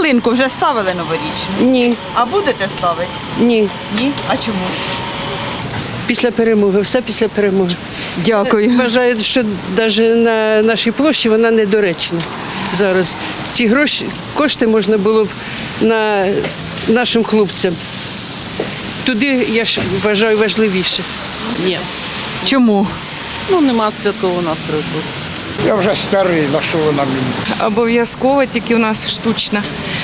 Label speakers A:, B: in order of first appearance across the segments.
A: ялинку вже ставили новорічну?
B: Ні,
A: А будете ставити?
B: ні.
A: Ні? А чому?
B: Після перемоги, все після перемоги.
A: Дякую.
B: Вважаю, що навіть на нашій площі вона недоречна зараз. Ці кошти можна було б на нашим хлопцям. Туди, я ж вважаю, важливіше.
C: Ні.
A: Чому?
C: Ну, нема святкового настрою просто.
D: Я вже старий, на що вона мені?
E: Обов'язково, тільки у нас штучна.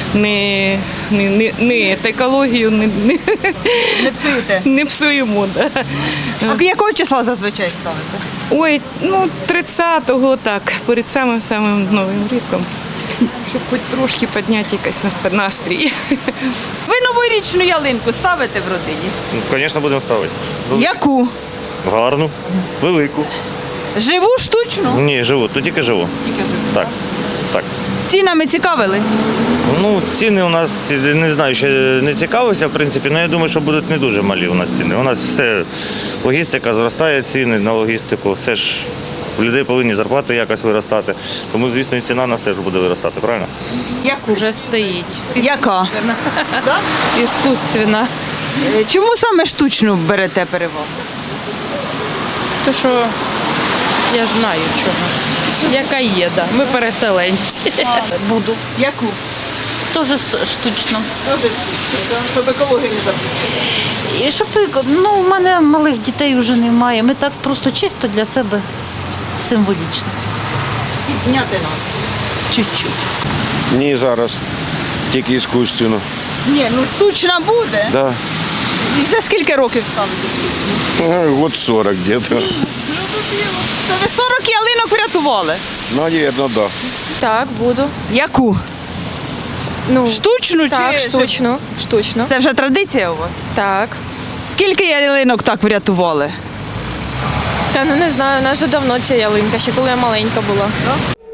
E: Не екологію
A: Не псуєте?
E: не псуємо. Да.
A: А якого числа зазвичай ставите?
E: Ой, ну 30-го так, перед самим Новим роком. Щоб хоч трошки підняти якийсь настрій.
A: Ви новорічну ялинку ставите в родині?
F: Звісно, будемо ставити.
A: Яку?
F: Гарну, велику.
A: Живу, штучну?
F: Ні, живу, то тільки живу. Так, так.
A: Цінами цікавились?
F: Ну, ціни у нас, не знаю, ще не цікавився, в принципі, але я думаю, що будуть не дуже малі у нас ціни. У нас все, логістика зростає, ціни на логістику, все ж у людей повинні зарплати якось виростати. Тому, звісно, і ціна на все ж буде виростати, правильно?
G: Уже стоїть.
A: Яка?
G: Іскусственно.
A: Чому саме штучну берете перевагу?
G: То що я знаю чого. Яка є, да. Ми переселенці.
H: Буду.
A: Яку?
H: Тоже штучно.
A: Щоб екологію не забути.
H: І щоб, ну, у мене малих дітей вже немає. Ми так просто чисто для себе символічно.
A: Підняти нас.
H: Чуть-чуть.
I: Ні, зараз. Тільки іскусственно.
A: Ні, ну штучна буде.
I: Да.
A: І за скільки років ставите?
I: Год 40 где-то.
A: Це ви 40 ялинок врятували.
I: Наверное, да.
G: Так, буду.
A: Яку?
G: Ну,
A: Штучну
G: так,
A: чи?
G: штучно. Штучно.
A: Це вже традиція у вас?
G: Так.
A: Скільки ялинок так врятували?
G: Та ну не знаю, у нас вже давно ця ялинка, ще коли я маленька була.